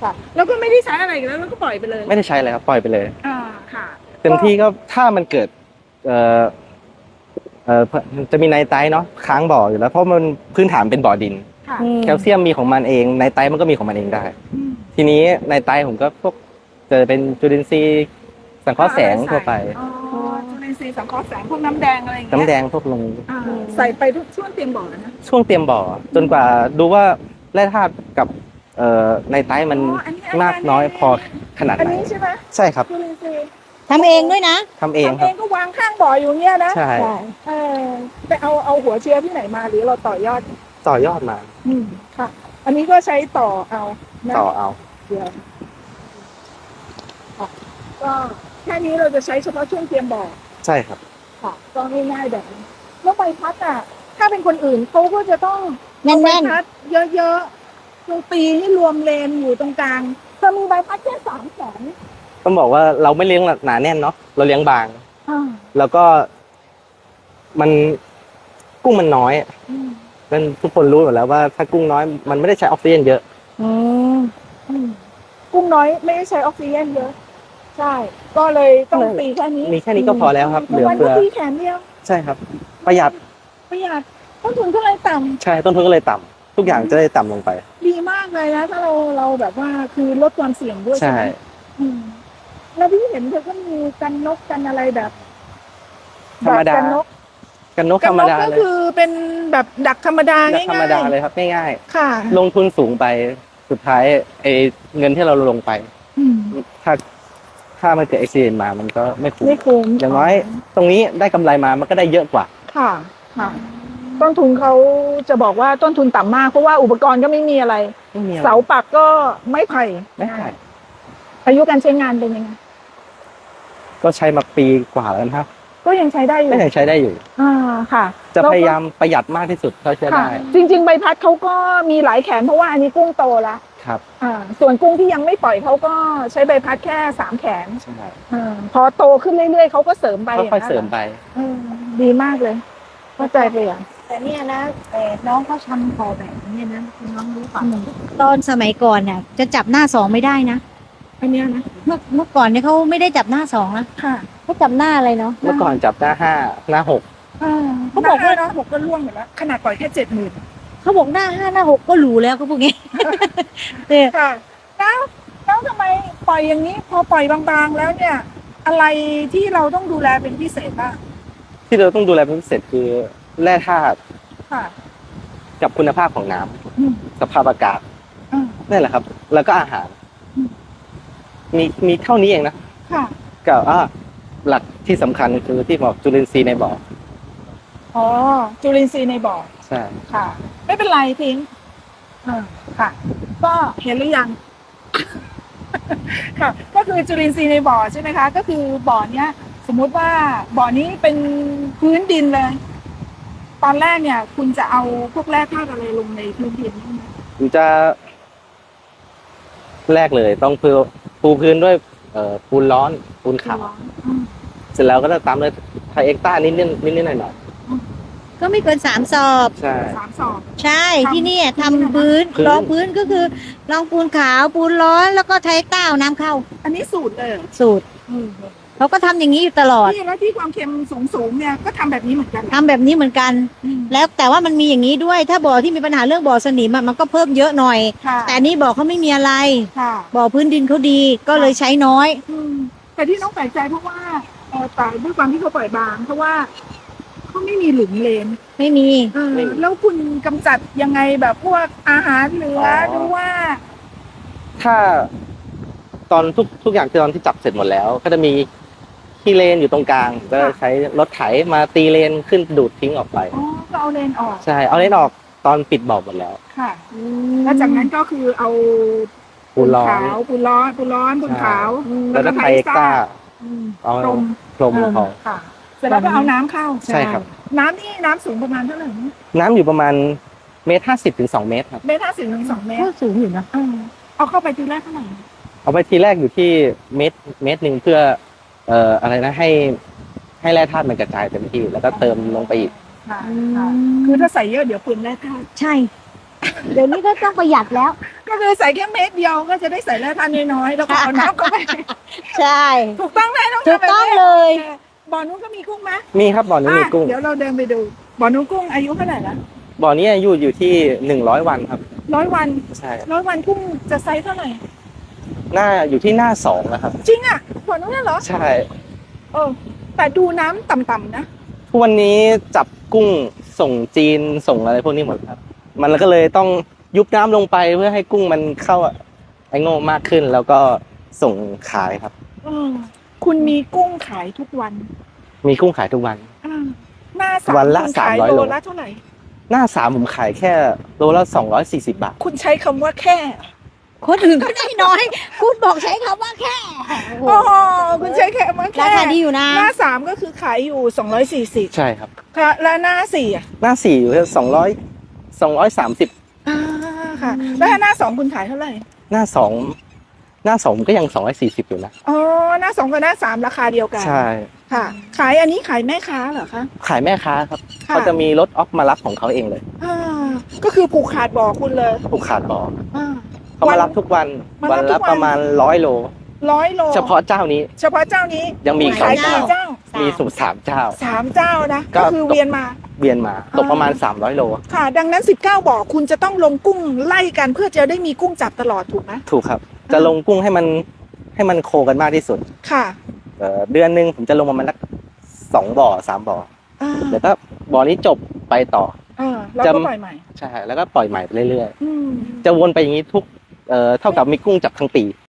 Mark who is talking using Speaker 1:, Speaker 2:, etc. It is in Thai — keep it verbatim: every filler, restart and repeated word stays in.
Speaker 1: ค่ะแล้วก็ไม่ได้ใช้อะไรอีกแล้วแล้วก็ปล่อยไปเลย
Speaker 2: ไม่ได้ใช้เลยครับปล่อยไปเลย
Speaker 1: อ่าค่ะ
Speaker 2: เต็มที่ก็ถ้ามันเกิดเอ่อเอ่อจะมีไนไตรท์เนาะค้างบ่ออยู่แล้วเพราะมันพื้นฐานเป็นบ่อดิน
Speaker 1: ค่ะ
Speaker 2: แคลเซียมมีของมันเองไนไตรท์มันก็มีของมันเองได้
Speaker 1: อืม
Speaker 2: ทีนี้ไนไตรท์ผมก็พวกจะเป็นจุลินทรีย์สังเคราะห์แสงทั่วไป
Speaker 1: อ๋อจุลินทรีย์สังเคราะห์แสงพวกน้ำแดงอะไรอย่างเงี้ย
Speaker 2: น้ำแดงพวกลง
Speaker 1: อ่าใส่ไปทุกช่วงเตรียมบ่อนะ
Speaker 2: ช่วงเตรียมบ่อจนกว่าดูว่าแร่ธาตุกับเอ่อไนไตรท์มันมากน้อยพอขนาด
Speaker 1: อัน
Speaker 2: ไหน
Speaker 1: นี้ใช่ไหม
Speaker 2: ใช่ครับ
Speaker 1: จุลินทรีย์
Speaker 3: ทำเองด้วยนะ
Speaker 2: ทำเอง
Speaker 1: ทำเอ
Speaker 2: ครับ
Speaker 1: งก็วางข้างบ่ออยู่เงี้ยนะ
Speaker 2: ใช่
Speaker 1: เออไปเอาเอาหัวเชื้อที่ไหนมาหรือเราต่อยอด
Speaker 2: ต่อยอดมา
Speaker 1: อืมค่ะ อันนี้ก็ใช้ต่อเอานะ
Speaker 2: ต่อเอา
Speaker 1: เดี๋ยวค่ะก็แค่นี้เราจะใช้เฉพาะช่วงเตรียมบ่อ
Speaker 2: ใช่ครับ
Speaker 1: ค่ะก็ง่ายๆแบบนี้แล้วใบพัดอ่ะถ้าเป็นคนอื่นเขาก็จะต้อง
Speaker 3: แน่นๆ
Speaker 1: ใบพัดเยอะๆคือปีให้รวมเลนอยู่ตรงกลางเธอมีใบพัดแค่สามแสน
Speaker 2: ต้องบอกว่าเราไม่เลี้ยงหนาแน่นเนาะเราเลี้ยงบาง
Speaker 1: อ่า
Speaker 2: แล้วก็มันกุ้งมันน้อย
Speaker 1: อืม
Speaker 2: นั่นทุกคนรู้อยู่แล้วว่าถ้ากุ้งน้อยมันไม่ได้ใช้ออกซิเจนเยอะ
Speaker 3: อืม
Speaker 1: อืมกุ้งน้อยไม่ได้ใช้ออกซิเจนเยอะใช่ก็เลยต้องตีแค่นี้
Speaker 2: มีแค่นี้ก็พอแล้วครับเหลือ
Speaker 1: มัน
Speaker 2: เฟื
Speaker 1: ก็
Speaker 2: อ
Speaker 1: ตีแขนเดียว
Speaker 2: ใช่ครับ ประหยัด
Speaker 1: ประหยัดต้นทุนก็เลยต่ำ
Speaker 2: ใช่ต้นทุนก็เลยต่ำทุกอย่างจะได้ต่ำลงไป
Speaker 1: ดีมากเลยนะถ้าเราเราแบบว่าคือลดความเสี่ยงด้วย
Speaker 2: ใช่
Speaker 1: ไหมอืมแล้วพี่เห็นเธอก็มีกันนกกันอะไรแบบ
Speaker 2: ธรรมดา
Speaker 1: แบบกันนก
Speaker 2: กันนก
Speaker 1: กั
Speaker 2: ธรรม
Speaker 1: นก
Speaker 2: ดา
Speaker 1: ก็
Speaker 2: เลย
Speaker 1: คือเป็นแบบดักธรรมดา
Speaker 2: แบบ
Speaker 1: ง่ายๆ
Speaker 2: ธรรมดาเลยครับง่าย
Speaker 1: ค่ะ
Speaker 2: ๆลงทุนสูงไปสุดท้ายไอ้เงินที่เราลงไป
Speaker 1: อืม
Speaker 2: ถ้าถ้ามันเกิดอุบิเหตุมามันก็ไม่คุ้ม
Speaker 1: ไม่คุ้ม
Speaker 2: อย่างน้อย ตรงนี้ได้กำไรมามันก็ได้เยอะกว่า
Speaker 1: ค่ะค่ะ ต้นทุนเขาจะบอกว่าต้นทุนต่ำมากเพราะว่าอุปกรณ์ก็ไม่มีอะไร
Speaker 2: ไม่มีอะไร
Speaker 1: เสาปักก็ไม้ไผ่
Speaker 2: ไม่ใช่
Speaker 1: อายุการใช้งานเป็นยังไง
Speaker 2: ก็ใช้มาปีกว่าแล้วนะครับ
Speaker 1: ก็ยังใช้ได้อยู่
Speaker 2: ก็ยังใช้ได้อยู่
Speaker 1: อ่าค่ะ
Speaker 2: จะ
Speaker 1: แล้วก็
Speaker 2: พยายามประหยัดมากที่สุดเท่าที่จะ
Speaker 1: ค่ะ
Speaker 2: ได้
Speaker 1: จริง ๆ ใบพัดเขาก็มีหลายแขนเพราะว่าอันนี้กุ้งโตแล้ว
Speaker 2: ครับ
Speaker 1: อ่าส่วนกุ้งที่ยังไม่ปล่อยเขาก็ใช้ใบพัดแค่สามแขน
Speaker 2: ใช่
Speaker 1: อาพอโตขึ้นเรื่อยๆเขาก็เสริมไป
Speaker 2: ค่อยๆเสริมไป
Speaker 1: เออดีมากเลยเข้าใจไปอย่าง
Speaker 3: แต่เนี่ยนะแต่น้องเขาทำพอแบบนี้นะคุณน้องรู้ป่ะตอนสมัยก่อนเนี่ยจะจับหน้าสองไม่ได้นะ
Speaker 1: อันเนี้ยนะ
Speaker 3: เมื่อเมื่อก่อนเนี่ยเขาไม่ได้จับหน้าสองนะ
Speaker 1: ค่ะ
Speaker 3: เขาจับหน้าอะไรเนาะ
Speaker 2: เมื่อก่อนจับหน้าห้าหน้าหก
Speaker 1: อ่า
Speaker 3: เขาบอกว่า
Speaker 1: หน้หกก็ล่วงหมดแล้วขนาดปล่อยแค่เจ็ดหมื่น
Speaker 3: เขาบอกหน้าห้าหน้าหกก็หรูแล้วเขาพวกนี้ เออ
Speaker 1: ค่ะแล้วแล้วทำไมปล่อยอย่างนี้ พอปล่อยบางๆแล้วเนี่ย อะไรที่เราต้องดูแลเป็นพิเศษบ้าง
Speaker 2: ที่เราต้องดูแลเป็นพิเศษคือแร่ธาตุ
Speaker 1: ค่ะ
Speaker 2: กับคุณภาพของน้ำ
Speaker 1: อืม
Speaker 2: สภาพอากาศ
Speaker 1: อ่า
Speaker 2: นั่นแหละครับ แล้วก็อาหาร
Speaker 1: อืม
Speaker 2: มีมีเท่านี้เองนะ
Speaker 1: ค่ะ
Speaker 2: กับอ่าหลักที่สำคัญคือที่บอกจุลินทรีย์ในบ่อ
Speaker 1: อ๋อจุลินทรีย์ในบ่อ
Speaker 2: ใช่
Speaker 1: ค่ะ ไม่เป็นไรทิ้งอ่าค่ะ ก็เห็นหรือยัง ค่ะ ก็คือจุลินทรีย์ในบ่อใช่ไหมคะ ก็คือบ่อเนี้ย สมมุติว่าบ่อนี้เป็นพื้นดินเลย ตอนแรกเนี่ย คุณจะเอาพวกแร่ธาตุอะไรลงในพื้นดินบ้างไหม
Speaker 2: ผมจะแรกเลยต้องปูปูพื้นด้วยเอ่อปูนร้อนปูนขาว
Speaker 1: อืม
Speaker 2: เสร็จแล้วก็จะตามด้วยไทเอ็กต้านิดนิดนิดนิดหน่อยหน่อย
Speaker 3: ก็ไม่เกินสามสอบ
Speaker 2: ใช่
Speaker 1: สามสอบ
Speaker 3: ใช่
Speaker 1: ทำ
Speaker 3: ที่นี่ทำพื้น
Speaker 2: พื้น
Speaker 3: รองพื้นก็คือรองปูนขาวปูนร้อนแล้วก็ไทยเต้าน้ำเข้า
Speaker 1: อันนี้สูตรเลยเหรอ
Speaker 3: สูตรเขาก็ทำอย่างนี้อยู่ตลอด
Speaker 1: ที่แล้วที่ความเค็มสูงๆเนี่ยก็ทำแบบนี้เหมือนกัน
Speaker 3: ทำแบบนี้เหมือนกัน
Speaker 1: อืม
Speaker 3: แล้วแต่ว่ามันมีอย่างนี้ด้วย ถ้าบ่อที่มีปัญหาเรื่องบ่อสนิมอะมันก็เพิ่มเยอะหน่อย
Speaker 1: ค่ะ
Speaker 3: แต่อันนี้บ่อเขาไม่มีอะไร
Speaker 1: ค่ะ
Speaker 3: บ่อพื้นดินเขาดีก็เลยใช้น้อย
Speaker 1: อืมแต่ที่น้องแปลกใจเพราะว่าเออแต่ด้วยความที่เขาปล่อยบาง เพราะว่าเขาไม่มีหลุมเลน
Speaker 3: ไม่มี
Speaker 1: เออแล้วคุณกำจัดยังไงแบบพวกอาหารเหลือหรือว่า
Speaker 2: ถ้าตอนทุกทุกอย่างตอนที่จับเสร็จหมดแล้ว ก็จะมีที่เลนอยู่ตรงกลางก็ใช้รถไถมาตีเลนขึ้นดูดทิ้งออกไป
Speaker 1: อ๋อก็เอาเลนออก
Speaker 2: ใช่เอาเลนออกตอนปิดบ่อหมดแล้ว
Speaker 1: ค่ะ แล้วจากนั้นก็คือเอา
Speaker 2: ปูนร้อน
Speaker 1: ขาวปูนร้อนปูนร้อนปูนขาว
Speaker 2: แล้วก็ไทเอ็กต้า
Speaker 1: อืม
Speaker 2: เอา
Speaker 1: พรม
Speaker 2: พรมพอ
Speaker 1: ค่ะเสร็จแล้วก็เอาน้ำเข้า
Speaker 2: ใช่ครับ
Speaker 1: น้ำนี่น้ำสูงประมาณเท่าไหร่นะ
Speaker 2: น้ำอยู่ประมาณเมตรห้าสิบถึงสองเมตรครับ
Speaker 1: เมตรห้าสิบถึงสองเมต
Speaker 3: ก็
Speaker 1: ร
Speaker 3: สูงอยู่นะ
Speaker 1: เออเอาเข้าไปทีแรกเท่าไหร่
Speaker 2: เอาไปทีแรกอยู่ที่เมตรเมตรหนึ่งเพื่อ เอ่ออะไรนะให้ให้แร่ธาตุมันกระจายเต็มที่แล้วก็เติมลงไปอีก
Speaker 1: ค่ะค่ะคือถ้าใส่เยอะเดี๋ยวเปลืองแร่ธาตุ
Speaker 3: ใช่เดี๋ยวนี้ก็ต้องประหยัดแล้ว
Speaker 1: ก็คือใส่แค่เม็ดเดียวก็จะได้ใส่แร่ธาตุน้อยๆแล้วก็เอาน้ำเข้าไป
Speaker 3: ใช่
Speaker 1: ถูกต้องไหมน้อง
Speaker 3: ถูกต้องเลย
Speaker 1: บ่อนู้นก็มีกุ้งไหม
Speaker 2: มีครับบ่อนี้มีกุ้ง
Speaker 1: อ่ะเดี๋ยวเราเดินไปดูบ่อนู้นกุ้งอายุเท่าไหร่ละ
Speaker 2: บ่อนี้อายุอยู่ที่หนึ่งร้อยวันครับ
Speaker 1: ร้อยวัน
Speaker 2: ใช่ครับ
Speaker 1: ร้อยวันกุ้งจะไซส์เท่าไหร่
Speaker 2: หน้าอยู่ที่หน้าสองนะครับ
Speaker 1: จริงอ่ะบ่อนู้นน่ะเหรอ
Speaker 2: ใช่
Speaker 1: เออแต่ดูน้ำต่ำๆนะ
Speaker 2: ทุกวันนี้จับกุ้งส่งจีนส่งอะไรพวกนี้หมดครับ มันก็เลยต้องยุบน้ำลงไปเพื่อให้กุ้งมันเข้าไอโง่มากขึ้น แล้วก็ส่งขายครับ
Speaker 1: เออคุณมีกุ้งขายทุกวัน
Speaker 2: มีกุ้งขายทุกวัน
Speaker 1: อ่าหน้าสาม
Speaker 2: วันละ
Speaker 1: คุณขาย
Speaker 2: สามร้อย
Speaker 1: โล
Speaker 2: โล
Speaker 1: ละเท่าไหร่
Speaker 2: หน้าสามผมขายแค่โลละสองร้อยสี่สิบบาท
Speaker 1: คุณใช้คำว่าแค่
Speaker 3: คนอื่นก็ได้น้อย คุณบอกใช้คำว่าแค่โอ้
Speaker 1: โอ้
Speaker 3: โห
Speaker 1: คุณใช้แค่ว่า
Speaker 3: รา
Speaker 1: แค่
Speaker 3: คาดีอยู่นะ
Speaker 1: หน้าสามก็คือขายอยู่สองร้อยสี่สิบ
Speaker 2: ใช่ครับ
Speaker 1: ค่ะและหน้าสี่อ่ะ
Speaker 2: หน้าสี่อยู่ที่สองร้อยสองร้อยสามสิบ
Speaker 1: อ่าค่ะ แล้วถ้าหน้าสองคุณขายเท่าไหร่
Speaker 2: หน้าสองหน้าสองก็ยังสองร้อยสี่สิบอยู่นะ
Speaker 1: อ๋อหน้าสองกับหน้าสามราคาเดียวกัน
Speaker 2: ใช่
Speaker 1: ค่ะ ขายอันนี้ขายแม่ค้าเหรอคะ
Speaker 2: ขายแม่ค้าครับ
Speaker 1: ค่ะ
Speaker 2: เขาจะมีรถออฟมารับของเขาเองเลย
Speaker 1: อ่าก็คือผูกขาดบ่อคุณเลย
Speaker 2: ผูกขาดบ่อ
Speaker 1: อ่า
Speaker 2: เขามารับทุกวัน
Speaker 1: มา
Speaker 2: วั
Speaker 1: รั
Speaker 2: น
Speaker 1: บทุ
Speaker 2: ละ
Speaker 1: กวัน
Speaker 2: ประมาณร้อยโล
Speaker 1: ร้อยโล
Speaker 2: เฉพาะเจ้านี้
Speaker 1: เฉพาะเจ้านี้
Speaker 2: ยังมีอีกสอ
Speaker 1: ขาง ย
Speaker 2: เจ้า
Speaker 1: กี่เจ้า
Speaker 2: มีสูตรสามเจ้า
Speaker 1: สามเจ้านะ
Speaker 2: ก็
Speaker 1: ก็คือเวียนมา
Speaker 2: เวียนมาตกประมาณสามร้อยโล
Speaker 1: ค่ะ ดังนั้นสิบเก้าบ่อคุณจะต้องลงกุ้งไล่กันเพื่อจะได้มีกุ้งจับตลอดถูกไหม
Speaker 2: ถูกครับ จะลงกุ้งให้มันให้มันโคกันมากที่สุด
Speaker 1: ค่ะ
Speaker 2: เอ่อเดือนหนึ่งผมจะลงประมาณสักสองบ่อสามบ่อ
Speaker 1: อ่า
Speaker 2: แล้วก็บ่อนี้จบไปต่อ
Speaker 1: อ่าแล้ว
Speaker 2: จะ
Speaker 1: ก็ปล่อยใหม่
Speaker 2: ใช่แล้วก็ปล่อยใหม่ไปเรื่อย
Speaker 1: อืม
Speaker 2: ๆ จะวนไปอย่างนี้ทุกเอ่อเท่ากับมีกุ้งจับทั้งปี